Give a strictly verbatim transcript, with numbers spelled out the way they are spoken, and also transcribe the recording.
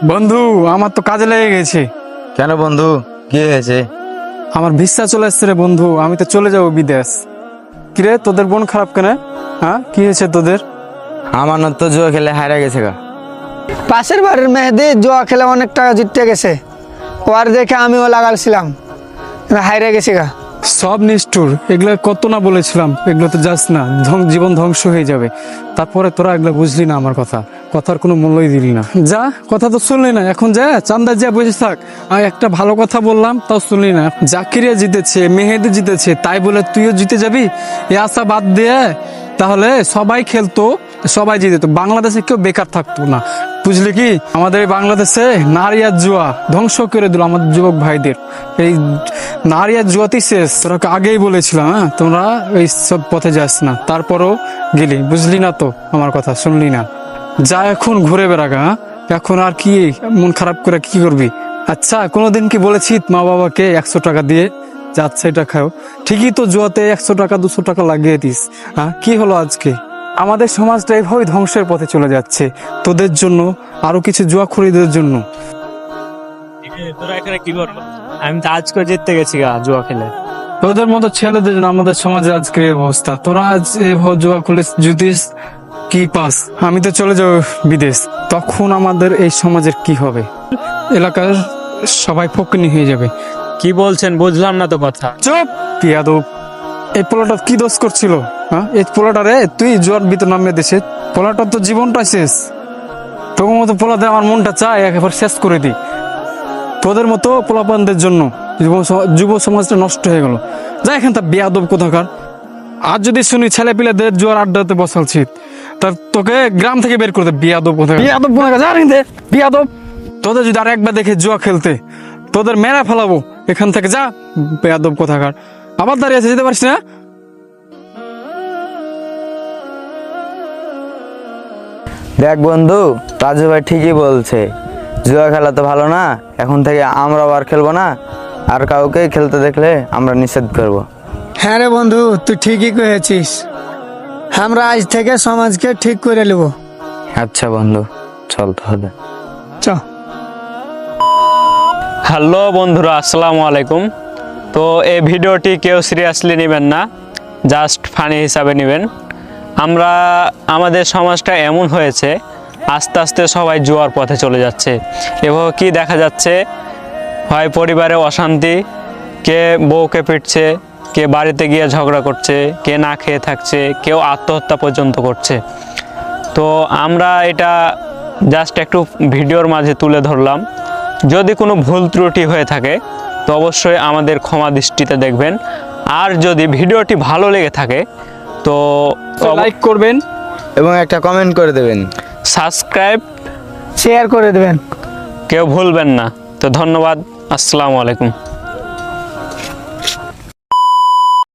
বন্ধু আমার তো কাজে লেগে গেছে। কেন বন্ধু, কি হয়েছে? আমার ভিসা চলে এসছে রে বন্ধু, আমি তো চলে যাবো বিদেশ। কিরে তোদের বোন খারাপ কেন? হ্যাঁ কি হয়েছে তোদের? আমার না তো জুয়া খেলে হারা গেছে গা। পাশের বাড়ির মেহেদি জুয়া খেলে অনেক টাকা জিততে গেছে, ওর দেখে আমিও লাগালছিলাম, হাইরে গেছি গা। সব নিষ্ঠুর, এগুলো কত না বলেছিলাম, এগুলো তো যাস না, ধ্বং- জীবন ধ্বংস হয়ে যাবে। তারপরে তোরা এগুলো বুঝলি না, আমার কথা কথার কোনো মূল্যই দিলি না। যা, কথা তো শুনলি না, এখন যা চান্দা যা বসে থাক। আমি একটা ভালো কথা বললাম তাও শুনলি না। জাকিরিয়া জিতেছে, মেহেদি জিতেছে, তাই বলে তুইও জিতে যাবি? এ আশা বাদ দিয়ে তাহলে সবাই খেলতো, সবাই জিতেতো, বাংলাদেশে কেউ বেকার থাকতো না। বুঝলি কি, আমাদের এই বাংলাদেশে নারী আর জুয়া ধ্বংস করে দিল আমাদের যুবক ভাইদের। এই নারী আর জুয়াতেই শেষ। তোরা আগেই বলেছিলাম, হ্যাঁ তোমরা এই সব পথে যাস না, তারপরও গেলি। বুঝলি না তো, আমার কথা শুনলি না। যা এখন ঘুরে বেড়াগা, হ্যাঁ এখন আর কি মন খারাপ করে কি করবি? আচ্ছা কোনোদিন কি বলেছি মা বাবাকে একশো টাকা দিয়ে যাচ্ছে এটা খাও? ঠিকই তো জুয়াতে একশো টাকা দুশো টাকা লাগিয়ে দিস। হ্যাঁ কি হলো আজকে? আমাদের সমাজটা এভাবে ধ্বংসের পথে চলে যাচ্ছে, তোদের জন্য, আরো কিছু জুয়া খরিদের জন্য। তোরা এখানে কি করবো? আমি তো আজকে জিততে গেছি গা জুয়া খেলে। তোদের মতো ছেলেদের জন্য আমাদের সমাজে আজকে এই অবস্থা। তোরা আজ এভাবে জুয়া খুলে জুতিস, কি পাস? আমি তো চলে যাবো বিদেশ, তখন আমাদের এই সমাজের কি হবে? এলাকার সবাই ফকিনি হয়ে যাবে। কি বলছেন বুঝলাম না তো কথা। চুপ পিয়াদব! এই পোলাটা কি দোষ করছিল? হ্যাঁ এই পোলাটা রে, তুই জোয়ার ভিতর নামে দেশে, পোলাটার তো জীবনটা শেষ। তোর মতো পোলাতে আমার মনটা চায় একেবারে শেষ করে দিই। তোদের মতো পোলাপানদের জন্য যুব স- যুব সমাজটা নষ্ট হয়ে গেল। যা এখান তা বেয়াদব কোথাকার। আর যদি শুনি ছেলে পিলেদের জোয়ার আড্ডাতে বসালছি, তা তোকে গ্রাম থেকে বের করে দে, বিয়াদব কোথাকার। বিয়াদব কোথাকার, যা এখান থেকে, বিয়াদব! তোদের যদি আর একবার দেখে জুয়া খেলতে, তোদের মেরা ফেলাবো এখান থেকে, যা বেয়াদব কোথাকার। আবার দাঁড়িয়ে আছে, যেতে পারিস না? দেখ বন্ধু, রাজু ভাই ঠিকই বলছে, জুয়া খেলা তো ভালো না। এখন থেকে আমরাও আর খেলবো না, আর কাউকে খেলতে দেখলে আমরা নিষেধ করব। হ্যাঁ রে বন্ধু, তুই ঠিকই কয়েছিস, আমরা আজ থেকে সমাজকে ঠিক করে নেব। আচ্ছা বন্ধু, চল তাহলে। চ হ্যালো বন্ধুরা, আসসালামু আলাইকুম। তো এই ভিডিওটি কেউ সিরিয়াসলি নেবেন না, জাস্ট ফানি হিসাবে নেবেন। আমরা আমাদের সমাজটা এমন হয়েছে, আস্তে আস্তে সবাই জুয়ার পথে চলে যাচ্ছে। এভাবে কি দেখা যাচ্ছে, হয় পরিবারে অশান্তি, কে বউকে পিটছে, কে বাড়িতে গিয়ে ঝগড়া করছে, কে না খেয়ে থাকছে, কেউ আত্মহত্যা পর্যন্ত করছে। তো আমরা এটা জাস্ট একটু ভিডিওর মাঝে তুলে ধরলাম। যদি কোনো ভুল ত্রুটি হয়ে থাকে তো অবশ্যই আমাদের ক্ষমা দৃষ্টিতে দেখবেন। আর যদি ভিডিওটি ভালো লেগে থাকে তো লাইক করবেন, এবং একটা কমেন্ট করে দেবেন। সাবস্ক্রাইব শেয়ার করে দেবেন। কেউ ভুলবেন না। তো ধন্যবাদ, আসসালামু আলাইকুম।